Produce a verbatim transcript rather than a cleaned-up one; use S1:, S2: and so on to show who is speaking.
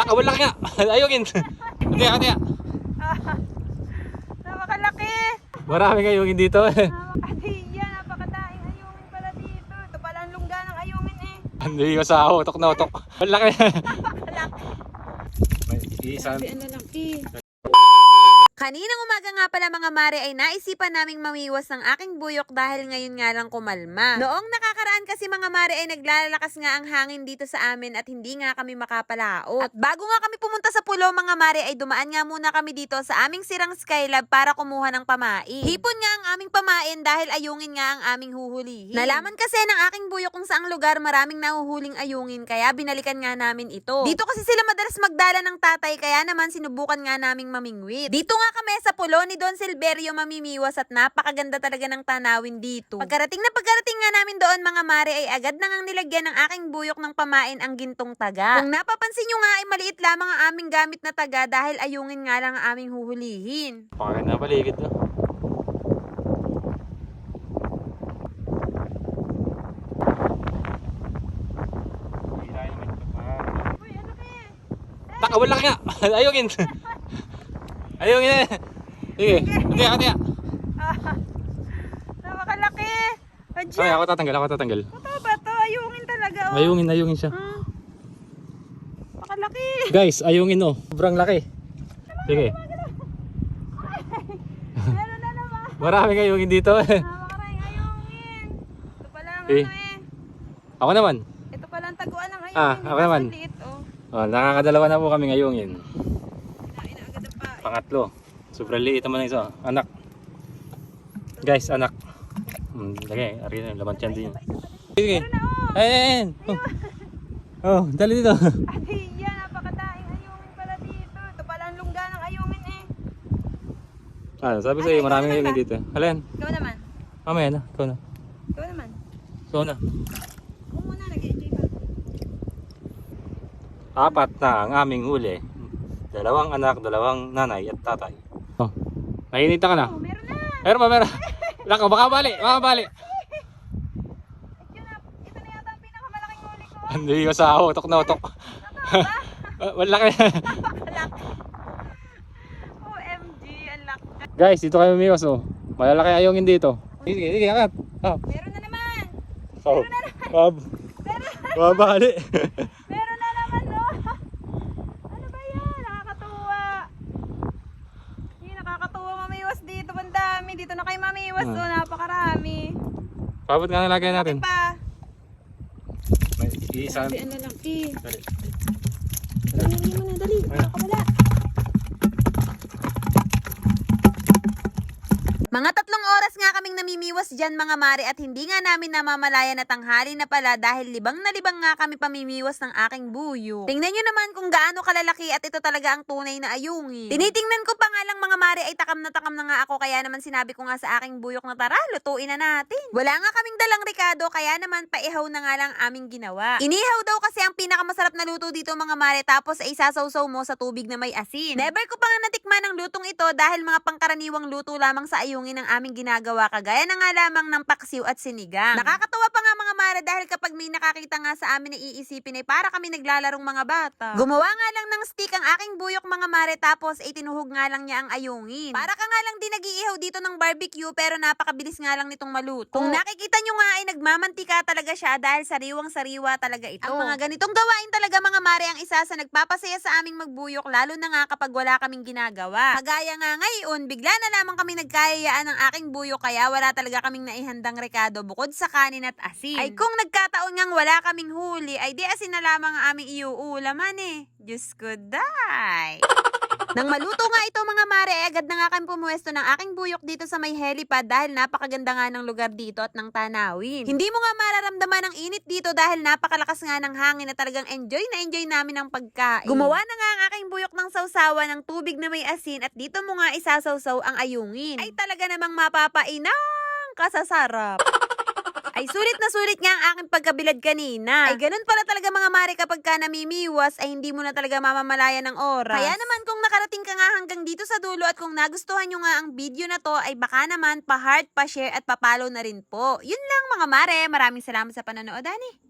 S1: Nakawala ka nga. Ayungin. Katiya, katiya.
S2: Napakalaki.
S1: Marami ayungin dito.
S2: Napakadiya, napakadaing ayungin pala dito. Ito pala ang lungga ng ayungin eh.
S1: Hindi ko sa utok na utok. Malaki.
S2: Napakalaki.
S1: May isang.
S2: Sabi ang lalaki.
S3: Kaninang umaga nga pala mga mare ay naisipan naming mamiwas ng aking buyok dahil ngayon nga lang kumalma. Noong nakakaraan kasi mga mare ay naglalakas nga ang hangin dito sa amin at hindi nga kami makapalaot. At bago nga kami pumunta sa pulo mga mare ay dumaan nga muna kami dito sa aming sirang Skylab para kumuha ng pamain. Hipon nga ang aming pamain dahil ayungin nga ang aming huhulihin. Nalaman kasi ng aking buyok kung saang lugar maraming nahuhuling ayungin kaya binalikan nga namin ito. Dito kasi sila madalas magdala ng tatay kaya naman sinubukan nga naming mamingwit. Dito nga kami sa pulo ni Don Silverio mamimiwas at napakaganda talaga ng tanawin dito. Pagkarating na pagkarating nga namin doon mga mare ay agad na ngang nilagyan ng aking buyok ng pamain ang gintong taga. Kung napapansin nyo nga ay maliit lamang ang aming gamit na taga dahil ayungin nga lang ang aming huhulihin.
S1: Pakaganda paligid to.
S2: Uy, ano kaya?
S1: Nakawala ka nga. Ayungin. Ayungin eh. Sige, katiya, katiya.
S2: Napakalaki.
S1: Ay,
S2: Adya.
S1: ako tatanggal, ako tatanggal.
S2: Ito ba to? Ayungin talaga oh.
S1: Ayungin, ayungin siya.
S2: Hmm. Napakalaki.
S1: Guys, ayungin oh. Sobrang laki. Sige.
S2: Meron na naman.
S1: Maraming ayungin dito eh.
S2: Napakaraming ayungin. Ito pala ang
S1: Eh.
S2: ano eh.
S1: Ako naman.
S2: Ito pala ang taguan ng ayungin.
S1: Ah, ako naman.
S2: Ang liit oh.
S1: Oh, nakakadalawa na po kami ayungin.
S2: Kinain na agad ang pain.
S1: Pangatlo. Sobrang liit naman ng isa. Anak. Guys, anak. Hmm, lagay. Ari na, laman tiyan din. Sige.
S2: Meron na oh.
S1: Ayun. Oh. Oh, dali dito.
S2: Adiya, napakadaing ayungin pala dito. Ito pala ang lungga ng ayungin eh.
S1: Ah, sabi sa'yo, maraming ayungin dito. Alin?
S2: Ikaw naman.
S1: Mamaya na. Ikaw na.
S2: Ikaw naman.
S1: Ikaw na.
S2: Ikaw muna, nag-enjoy pa.
S1: Apat na ang aming huli. Dalawang anak, dalawang nanay at tatay. Oh. Nainita ka na.
S2: Oh, meron na.
S1: Meron ba, meron? Lako, baka bali, baka bali.
S2: Ito na, ito na yata ang pinakamalaking huli ko.
S1: Hindi ko sa utok na utok. Malaki.
S2: O M G, ang laki.
S1: Guys, dito kayo umiwas oh. Malalaki ayungin dito. Sige, sige, angat. Oh.
S2: Meron na naman.
S1: Oh.
S2: Meron na naman.
S1: Bab.
S2: Meron,
S1: Babali.
S2: meron na naman, no? Ano ba yan? Nakakatuwa. Hindi, nakakatuwa mamiwas dito. Ang dami. Dito na kayo mamiwas.
S1: Hmm.
S2: Oh, napakarami.
S1: Pabot nga nalagay natin.
S2: Pa.
S1: May isa.
S2: Sabi ang lalaki.
S1: Dali.
S2: Dali mo na, dali. Nakakawala.
S3: Mga tatlong oras nga kaming namimiwas dyan mga mare at hindi nga namin namamalayan na tanghali na pala dahil libang na libang nga kami pamimiwas ng aking buyo. Tingnan nyo naman kung gaano kalalaki at ito talaga ang tunay na ayungin. Tinitingnan ko pa nga lang mga mare ay takam na takam na nga ako kaya naman sinabi ko nga sa aking buyok na tara, lutuin na natin. Wala nga kaming dalang rekado kaya naman paihaw na nga lang aming ginawa. Inihaw daw kasi ang pinakamasarap na luto dito mga mare tapos ay sasawsaw mo sa tubig na may asin. Never ko pa nga natikman ang lutong ito dahil mga pangkaraniwang luto lamang sa ayungin ng aming ginagawa kagaya na nga lamang ng paksiw at sinigang. Nakakatawa pa nga mga mare dahil kapag may nakakita nga sa amin na iisipin ay para kami naglalarong mga bata. Gumawa nga lang ng stick ang aking buyok mga mare tapos ay tinuhog nga lang niya ang ayungin. Para ka nga lang din nag-iihaw dito ng barbecue pero napakabilis nga lang nitong maluto. Kung nakikita nyo nga ay nagmamantika talaga siya dahil sariwang-sariwa talaga ito. Ang mga ganitong gawain talaga mga mare ang isa sa nagpapasaya sa aming magbuyok lalo na nga kapag wala kaming ginagawa. Kagaya nga ngayon, bigla na lamang kami nagkayayaan ng aking buyok kaya wala talaga kaming naihandang rekado bukod sa kanin at asin. Ay kung nagkataon ngang wala kaming huli ay di asin na lamang ang aming iuulaman eh. Diyos ko, day! Nang maluto nga ito mga mare, eh, agad na nga kami pumuwesto ng aking buyok dito sa may helipad dahil napakaganda nga ng lugar dito at ng tanawin. Hindi mo nga mararamdaman ang init dito dahil napakalakas nga ng hangin na talagang enjoy na enjoy namin ang pagkain. Gumawa na nga ang aking buyok ng sausawa ng tubig na may asin at dito mo nga isasawsaw ang ayungin. Ay talaga namang mapapainang kasasarap. Ay sulit na sulit nga ang aking pagkabilad kanina. Ay ganun pala talaga mga mare kapag ka namimiwas ay hindi mo na talaga mamamalayan ng oras. Kaya naman kung nakarating ka nga hanggang dito sa dulo at kung nagustuhan nyo nga ang video na to ay baka naman pa-heart, pa-share at pa-follow na rin po. Yun lang mga mare, maraming salamat sa panonood ani.